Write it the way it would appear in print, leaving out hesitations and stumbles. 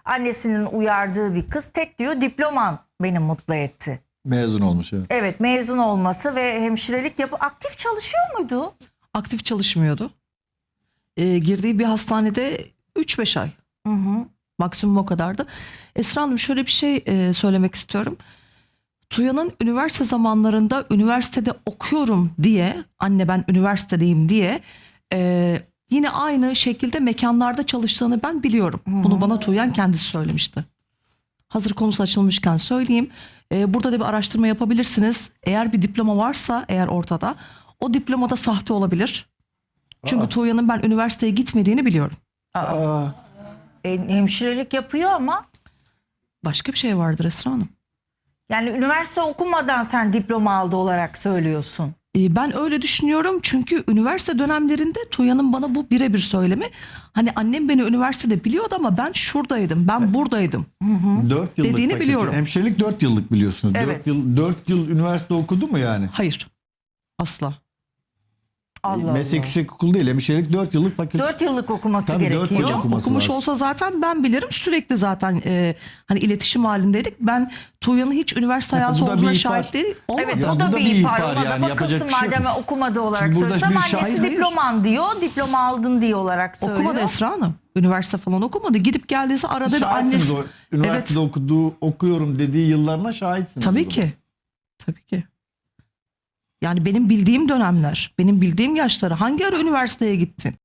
Annesinin uyardığı bir kız. Tek diyor diploman beni mutlu etti. Mezun olmuş, evet. Evet, mezun olması ve hemşirelik yapıp aktif çalışıyor muydu? Aktif çalışmıyordu. Girdiği bir hastanede 3-5 ay. Hı hı. Maksimum o kadardı. Esra Hanım, şöyle bir şey söylemek istiyorum. Tuya'nın üniversite zamanlarında üniversitede okuyorum diye, anne ben üniversitedeyim diye yine aynı şekilde mekanlarda çalıştığını ben biliyorum. Bunu bana Tuğyan kendisi söylemişti. Hazır konusu açılmışken söyleyeyim. Burada da bir araştırma yapabilirsiniz. Eğer bir diploma varsa eğer ortada, o diplomada sahte olabilir. Çünkü Tuğya'nın ben üniversiteye gitmediğini biliyorum. Hemşirelik yapıyor ama Başka bir şey vardır Esra Hanım. yani üniversite okumadan sen diploma aldı olarak söylüyorsun. Ben öyle düşünüyorum çünkü üniversite dönemlerinde Tuğya'nın bana bu birebir söylemi. Hani annem beni üniversitede biliyordu ama ben şuradaydım, ben buradaydım. 4 yıllık Dediğini fakülte. biliyorum. Hemşirelik 4 yıllık biliyorsunuz. Evet. 4 yıl üniversite okudu mu yani? Hayır, asla. Allah Meslek Allah. yüksek okulu değil. Hemşirelik 4 yıllık fakülte. 4 yıllık okuması Tabii, 4 gerekiyor. yıl okuması Okumuş lazım. olsa zaten ben bilirim, sürekli zaten hani iletişim halindeydik. Ben Tuğya'nın hiç üniversite hayatı bu da bir olduğuna ihbar. şahit değil olmadım. Evet, Ya o da bu da bir bir ihbar. ihbar Ona da yani, yapacak bakılsın bir şey yok. madem okumadı olarak Şimdi burada söylesem, bir annesi Hayır. diploman diyor, diploma aldın diye olarak söylüyor. Okumadı Esra Hanım. Üniversite falan okumadı. Gidip geldiyse arada bir Şahitsiniz annesi. o üniversitede okuyorum dediği yıllarına şahitsiniz. Tabii o ki. zaman. Tabii ki. Yani benim bildiğim dönemler, benim bildiğim yaşları hangi ara üniversiteye gittin?